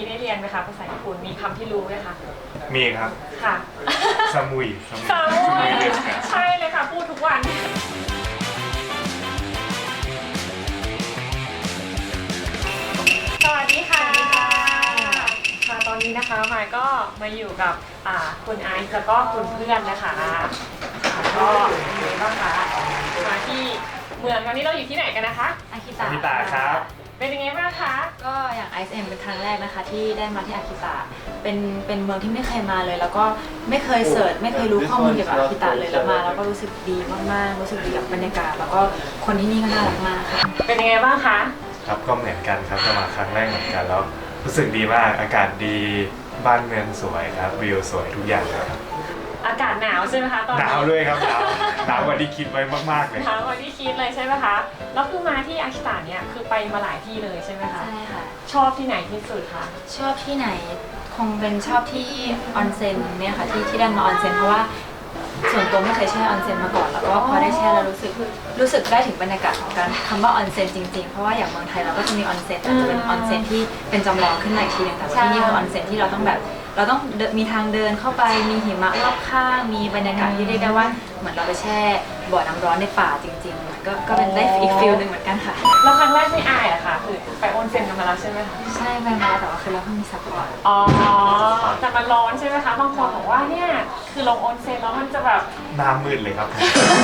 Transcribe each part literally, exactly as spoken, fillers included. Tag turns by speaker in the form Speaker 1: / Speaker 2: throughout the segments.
Speaker 1: นี้ได้เรียนไหมคะภาษาญี่ปุ่นมีคำที่รู้ไหมคะ
Speaker 2: มีครับ
Speaker 1: ค่ะ
Speaker 2: ซามุย
Speaker 1: ซามุยใช่เลยค่ะพูดทุกวันสวัสดีค่ะค่ะตอนนี้นะคะมายก็มาอยู่กับอ่าคุณไอซ์แล้วก็คุณเพื่อนนะคะก็เป็นไงบ้างคะมาที่เมืองตอนนี้เราอยู่ที่ไหนกันนะคะ
Speaker 3: อาคิ
Speaker 2: อา
Speaker 3: ตะ
Speaker 2: คิตะครับ
Speaker 1: เป็นยังไงบ้างคะ
Speaker 3: ก็อย่าง ไอ เอส เอ็ม เป็นครั้งแรกนะคะที่ได้มาที่อาคิตะเป็นเป็นเมืองที่ไม่เคยมาเลย แล้วก็ไม่เคยเสิร์ชไม่เคยรู้ข้อมูลเกี่ยวกับอาคิตะเลยแล้วมาแล้วก็รู้สึกดีมากๆรู้สึกดีกับบรรยากาศแล้วก็คนที่นี่ก็น่ารักมากค่ะ
Speaker 1: เป็นยังไงบ้างคะ
Speaker 2: ครับก็เหมือนกันครับจะมาครั้งแรกเหมือนกันแล้วรู้สึกดีมากอากาศดีบ้านเมืองสวยครับวิวสวยทุกอย่างเลยครับ
Speaker 1: อากาศหนาวใช่ไหมคะตอนนี้
Speaker 2: หนาวด้วยครับหนาวหนาวกว่าที่คิดไว้มากๆเลย
Speaker 1: หนาวกว่าที่คิดเลยใช่ไหมคะแล้วคือมาที่อาคิตะเนี่ยคือไปมาหลายที่เลยใช่ไหมคะ
Speaker 3: ใช่ค่ะ
Speaker 1: ชอบที่ไหนที่สุดคะ
Speaker 3: ชอบที่ไหนคงเป็นชอบที่ออนเซ็นเนี่ยค่ะที่ที่ได้มาออนเซ็นเพราะว่าส่วนตัวไม่เคยแช่ออนเซ็นมาก่อนแล้วก็พอได้แช่แล้วรู้สึกรู้สึกได้ถึงบรรยากาศของการคำว่าออนเซ็นจริงๆเพราะว่าอย่างเมืองไทยเราก็จะมีออนเซ็นแต่จะเป็นออนเซ็นที่เป็นจำลองขึ้นมาอีกทีนึงแต่ว่าที่นี่คือออนเซ็นที่เราต้องแบบเราต้องมีทางเดินเข้าไปมีหิมะรอบข้างมีบรรยากาศที่เรียกได้ว่าเหมือนเราไปแช่บ่อน้ำร้อนในป่าจริงๆก็ก็เป็นได้อีกฟิลหนึ่งเหมือนกันค่ะ
Speaker 1: แล้วครั้งแรกไม่อายเหรอคะคือไปออนเซ็นกันมาแล้วใช่ไหมคะ
Speaker 3: ใช่ไปมาแล้วแต่ว่าคือเราเพิ่งมีซัพพอร์ต
Speaker 1: อ๋อแต่มันร้อนใช่ไหมคะบางคนบอกว่าเนี่ยคือลงออนเซ็นแล้วมันจะแบบ
Speaker 2: หน้ามืดเลยครับ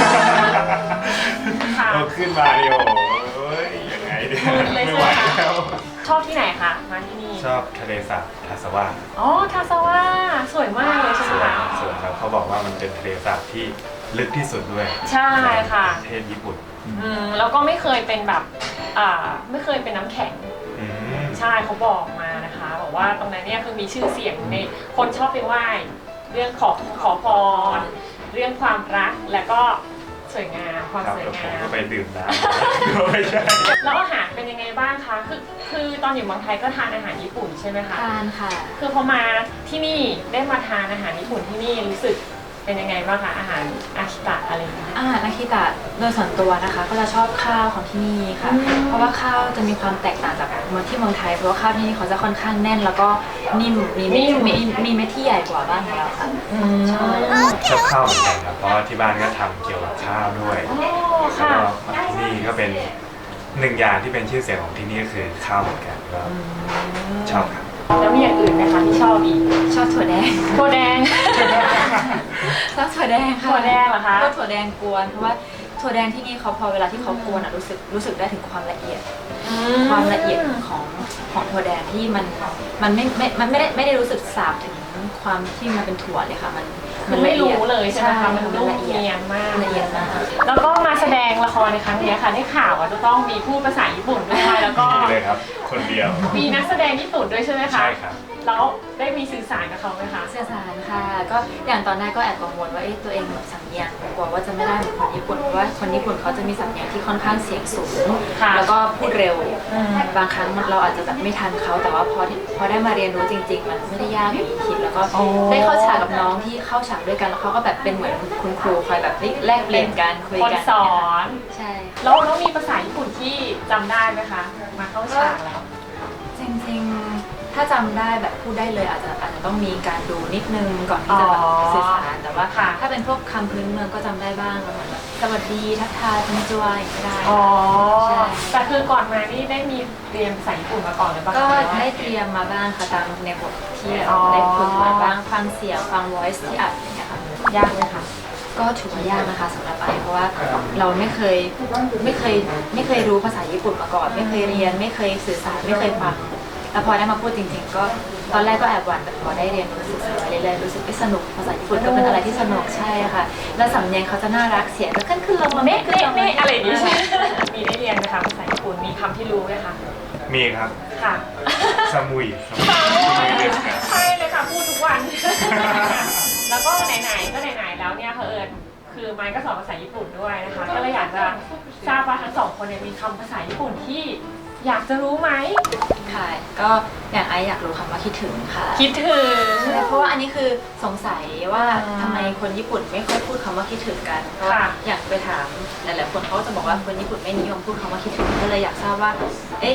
Speaker 2: เราขึ้นมาเดียวโอ้ยยังไงเนี่ยไม่ไหวแล้ว
Speaker 1: ชอบที่ไหนคะมาที่นี่
Speaker 2: ชอบทะเลสาบทาสวา
Speaker 1: อ๋อทาสวาสวยมากเลยใช่ไหมคะ
Speaker 2: สวยครับเขาบอกว่ามันเป็นทะเลสาบที่ลึกที่สุดด้วย
Speaker 1: ใช่ค่ะ
Speaker 2: ประเทศญี่ปุ่น
Speaker 1: อืมแล้วก็ไม่เคยเป็นแบบอ่าไม่เคยเป็นน้ำแข็งใช่เขาบอกมานะคะบอกว่าตรงนั้นเนี่ยคือมีชื่อเสียงในคนชอบไปไหว้เรื่องขอขอพรเรื่องความรักและก็สวยงามความสวยงาม
Speaker 2: ก็ไปดื่มน้ำไม่ใช่
Speaker 1: แล้วอาหารเป็นยังไงบ้างคะคือคือตอนอยู่เมืองไทยก็ทานอาหารญี่ปุ่นใช่ไหมคะ
Speaker 3: ทานค่ะ
Speaker 1: คือพอมาที่นี่ได้มาทานอาหารญี่ปุ่นที่นี่รู้สึกเป็นยังไงบ้างคะอาหารอาคิตะอะไรอย่างเงี้ย
Speaker 3: อาหารอาคิตะโดยส่วนตัวนะคะก็จะชอบข้าวของที่นี่ค่ะเพราะว่าข้าวจะมีความแตกต่างจากเมืองที่เมืองไทยเพราะว่าข้าวที่นี่เขาจะค่อนข้างแน่นแล้วก็นิ่มมีเม็ดมีมีเม็ดที่ใหญ่กว่าบ้านของเราค่ะ
Speaker 2: ชอบข้าวเหมือนกันครับเพราะว่าที่บ้านก็ทำเกี่ยวกับข้าวด้วยแล้วก็ที่นี่ก็เป็นหนึ่งอย่างที่เป็นชื่อเสียงของที่นี่ก็คือข้าวเหมือนกันก็ชอบครับ
Speaker 1: แล้วมีอย่างอื่นไหมคะที่ชอบอีก
Speaker 3: ชอบถั่วแดง
Speaker 1: ถั่วแดง
Speaker 3: ชอบถั่วแดงค่ะ
Speaker 1: ถั่วแดงเหรอคะ
Speaker 3: ก็ถั่วแดงกวนเพราะว่าถั่วแดงที่นี่เขาพอเวลาที่เขากวนอ่ะรู้สึกรู้สึกได้ถึงความละเอียดความละเอียดของของถั่วแดงที่มันมันไม่ไม่มันไม่ได้ไม่ได้รู้สึกสาบถึงความที่มันเป็นถั่วเลยค่ะมัน
Speaker 1: มันไม่รู้เลยใช่ไหมคะมันนุ่มเนียนมาก
Speaker 3: ละเอียดมาก
Speaker 1: แล้วก็มาแสดงละครในครั้งนี้ค่ะได้ข่าวว่าจะต้องมีพูดภาษาญี่ปุ่นด้วยแล้วก็
Speaker 2: มีเลยครับคนเดียว
Speaker 1: มีนักแสดงญี่ปุ่นด้วยใช่ไหมคะ
Speaker 2: ใช่ครับ
Speaker 1: แล้วได้มีสื่อสารกับเขาไหมคะ
Speaker 3: สื่อสารค่ะก็อย่างตอนแรกก็แอบกังวลว่าตัวเองแบบสำเนียงกลัวว่าจะไม่ได้เหมือนคนญี่ปุ่นเพราะว่าคนญี่ปุ่นเขาจะมีสำเนียงที่ค่อนข้างเสียงสูงแล้วก็พูดเร็วบางครั้งเราอาจจะแบบไม่ทันเขาแต่ว่าพอพอได้มาเรียนรู้จริงๆมันไม่ได้ยากอย่างที่คิดแล้วก็ได้เข้าฉากกับน้องที่เข้าฉากด้วยกันแล้วเขาก็แบบเป็นเหมือนคุณครูคอยแบบแลกเปลี่ยนกันคุยกัน
Speaker 1: สอน
Speaker 3: ใช่
Speaker 1: แล้วแล้วมีภาษาญี่ปุ่นที่จำได้ไหมคะมาเข้าฉากแล้ว
Speaker 3: จริงๆถ้าจำได้แบบพูดได้เลยอาจจะอาจจะต้องมีการดูนิดนึงก่อนที่จะแบบสื่อสารแต่ว่าถ้าเป็นพวกคำพื้นเมืองก็จำได้บ้างค่ะแบบสวัสดีทักทายคุณจวยก็ได้
Speaker 1: อ๋อแต่คือก่อนมานี่ได้มีเรียนภาษาญี่ปุ่นมาก่อนหรือเปล่า
Speaker 3: ก็ได้เตรียมมาบ้างค่ะตามในบทที่ได้ฝึกมาบ้างฟังเสียงฟัง voice ที่อัดอย่างเงี้ยค่ะ
Speaker 1: ยากไหมคะ
Speaker 3: ก็ถือว่ายากนะคะสำหรับไอเพราะว่าเราไม่เคยไม่เคยไม่เคยรู้ภาษาญี่ปุ่นมาก่อนไม่เคยเรียนไม่เคยสื่อสารไม่เคยฟังแล้วพอได้มาพูดจริงๆก็ตอนแรกก็แอบหวั่นแต่พอได้เรียนรู้สึกเรื่อยๆรู้สึกสนุกภาษาญี่ปุ่นก็เป็นอะไรที่สนุกใช่ค่ะแล้วสำเนียงเขาจะน่ารักเสียงก็ขึ้นขึ้นลงมา
Speaker 1: เมะเมะเมะอะไรอย่างนี้ใช่มีได้เรียนไหมคะภาษาญี่ปุ่นมีคำที่รู้ไหมคะ
Speaker 2: มีครับ
Speaker 1: ค่ะ
Speaker 2: ซามุย
Speaker 1: ซามุยใช่เลยค่ะพูดทุกวันแล้วก็ไหนๆก็ไหนๆแล้วเนี่ยเผอิญคือไมค์ก็สอนภาษาญี่ปุ่นด้วยนะคะก็เลยอยากจะทราบว่าทั้งสองคนเนี่ยมีคำภาษาญี่ปุ่นที่อยากจะรู้ไหม
Speaker 3: ค่ะก็อย่างไออยากรู้คำว่าคิดถึงค่ะ
Speaker 1: คิดถึง
Speaker 3: เพราะว่าอันนี้คือสงสัยว่าทำไมคนญี่ปุ่นไม่ค่อยพูดคำว่าคิดถึงกันเพราะว่าอยากไปถามหลายๆคนเขาจะบอกว่าคนญี่ปุ่นไม่นิยมพูดคำว่าคิดถึงก็เลยอยากทราบว่าเอ๊ะ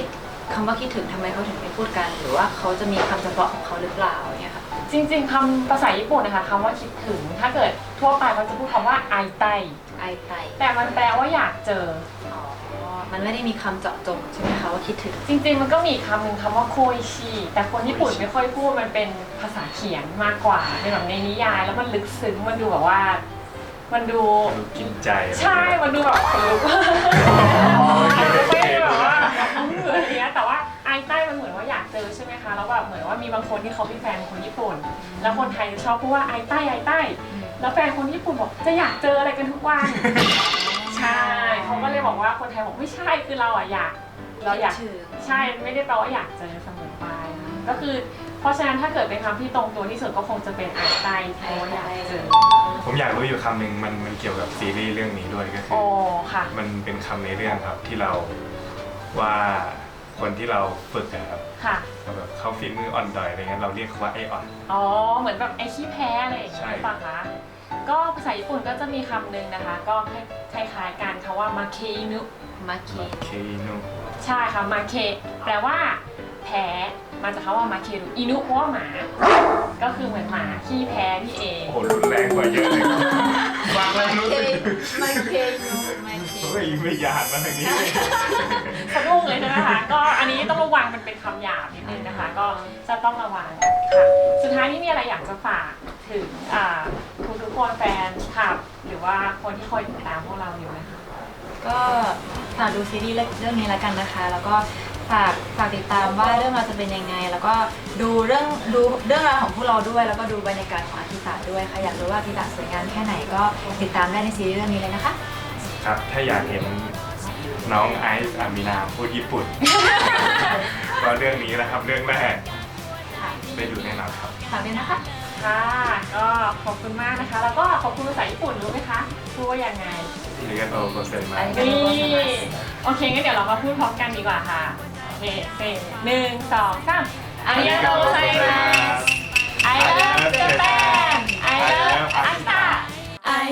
Speaker 3: คำว่าคิดถึงทำไมเขาถึงไม่พูดกัน หรือว่าเขาจะมีคำเฉพาะของเขาหรือเปล่าอย่างเงี้ยค่ะ
Speaker 1: จริงๆคำภาษาญี่ปุ่นนะคะคำว่าคิดถึงถ้าเกิดทั่วไปเขาจะพูดคำว่าไอไต
Speaker 3: ไอไต
Speaker 1: แต่มันแปลว่าอยากเจอ
Speaker 3: อ๋อมันไม่ได้มีคำเจาะจงใช่ไหมคะว่าคิดถึง
Speaker 1: จริงๆมันก็มีคำหนึ่งคำว่าโคอิชิแต่คนญี่ปุ่นไม่ค่อยพูดมันเป็นภาษาเขียนมากกว่าเป็นแบบในนิยายแล้วมันลึกซึ้งมันดูแบบว่า มันดู
Speaker 2: ดูกินใจ
Speaker 1: ใช่มันดูแบบขนลุกอาจจะไม่ได้แบบว่าอะไรเงี้ยแต่ว่าไอใต้มันเหมือนว่าอยากเจอใช่ไหมคะแล้วแบบเหมือนว่ามีบางคนที่เขาเป็นแฟนคนญี่ปุ่น แล้วคนไทยจะชอบพูดว่าไอใต้ไอใต้แล้วแฟนคนญี่ปุ่นบอกจะอยากเจออะไรกันทุกวันใช่เขาก็เลยบอกว่าคนไทยบอกไม่ใช่คือเราอะอยากเราอยากใช่ไม่ได้แปลว่าอยากเจอเสมอไปก็คือเพราะฉะนั้นถ้าเกิดเป็นคำที่ตรงตัวที่สุดก็คงจะเป็นไอใต้เพราะว่าอยากเจอ
Speaker 2: ผมอยากรู้อยู่คำหนึ่งมันมันเกี่ยวกับซีรีส์เรื่องนี้ด้วยก็คื
Speaker 1: โอ้
Speaker 2: อ
Speaker 1: ค่ะ
Speaker 2: มันเป็นคำในเรื่องครับที่เราว่าคนที่เราฝึกอะครับ
Speaker 1: ค่ะ
Speaker 2: แบบเขาฝีมืออ่อนดอยอะไรเงี้ยเราเรียกเขาว่าไออ่อน
Speaker 1: อ๋อเหมือนแบบไอขี้แพ้อะไรอย่างเงี้ย
Speaker 2: ใช่
Speaker 1: หรือเปล่าคะก็ภาษาญี่ปุ่นก็จะมีคำหนึ่งนะคะ ก็คล้ายๆกันคำว่ามาเคอินุ
Speaker 3: มาเค
Speaker 2: เคโน
Speaker 1: ใช่ค่ะมาเคแปลว่าแพ้มาจากคำว่ามาเครุอินุเพราะว่าหมา ก็คือเหมือนหมาขี้แพ้นี่เอง
Speaker 2: โอ้โหรุนแรงกว่าเยอะเลยฟังแล้วรู้สึก
Speaker 3: มาเคยูมาเค
Speaker 2: เฮ้ยไม่หยาดมาทางนี้
Speaker 1: สะดุ้งเลยใช่ไหมคะก็อันนี้ต้องระวังมันเป็นคำหยาบนิดนึงนะคะ ก็จะต้องระวังค่ะสุดท้ายนี่มีอะไรอยากจะฝากถึงทุกทุกๆคนแฟนคลับหรือว่าคนที่คอยติดตามพวกเราอยู่ไหมคะ
Speaker 3: ก็ฝากดูซีรีส์เรื่องนี้แล้วกันนะคะ แล้วก็ฝากฝากติดตามว่าเรื่องราวจะเป็นยังไง แล้วก็ดูเรื่องดูเรื่องราวของพวกเราด้วย แล้วก็ดูบรรยากาศของอาทิตย์ด้วยค่ะอยากรู้ว่าอาทิตย์สวยงามแค่ไหนก็ติดตามได้ในซีรีส์เรื่องนี้เลยนะคะ
Speaker 2: ครับถ้าอยากเห็นน้องไอซ์อามินาพูดญี่ปุ่น ก็เรื่องนี้นะครับเรื่องแรก
Speaker 3: ค่ะ
Speaker 2: ได้ดูแน่นอนครับ
Speaker 3: ฝากด้วยนะคะ
Speaker 1: ค่ะก็ขอบคุณมากนะคะ แล้วก็ขอบคุณภาษาญี่ปุ่นรู้ไหมคะพูดว่ายังไง
Speaker 2: เรียนโอโกเซนมา
Speaker 1: นี่โอเคงั้นเดี๋ยวเรามาพูดพร้อมกันดีกว่าค่ะโอเคเซ็หนึ่งสองสามอาริยาโตไซมัส I love Japan I love อัสตา
Speaker 4: I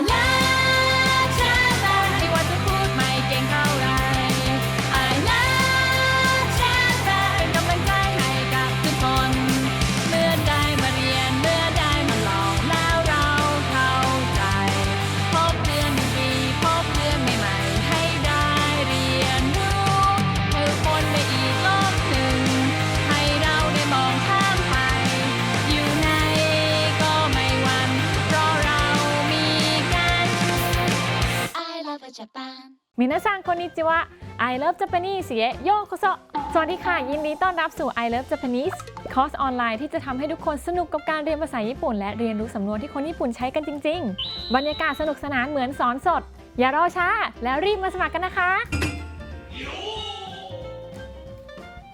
Speaker 4: love Japan ไม่ว่าจะพูดไม่เก่งเท่าไร I love Japan เป็นกำลังใจให้กับทุกคน เมื่อได้มาเรียน เมื่อได้มาลองแล้วเราเข้าใจ พบเรื่องดีๆพบเรื่องใหม่ๆให้ได้เรียนรู้ให้คนในอีกโลกหนึ่ง ให้เราได้มองข้ามไป อยู่ในก็ไม่หวั่นเพราะเรามีกัน I love Japan
Speaker 1: มินาซังこんにちは I love Japanese へようこそสวัสดีค่ะยินดีต้อนรับสู่ I love Japanese คอร์สออนไลน์ที่จะทำให้ทุกคนสนุกกับการเรียนภาษาญี่ปุ่นและเรียนรู้สำนวนที่คนญี่ปุ่นใช้กันจริงๆบรรยากาศสนุกสนานเหมือนสอนสดอย่ารอช้าแล้วรีบมาสมัครกันนะคะ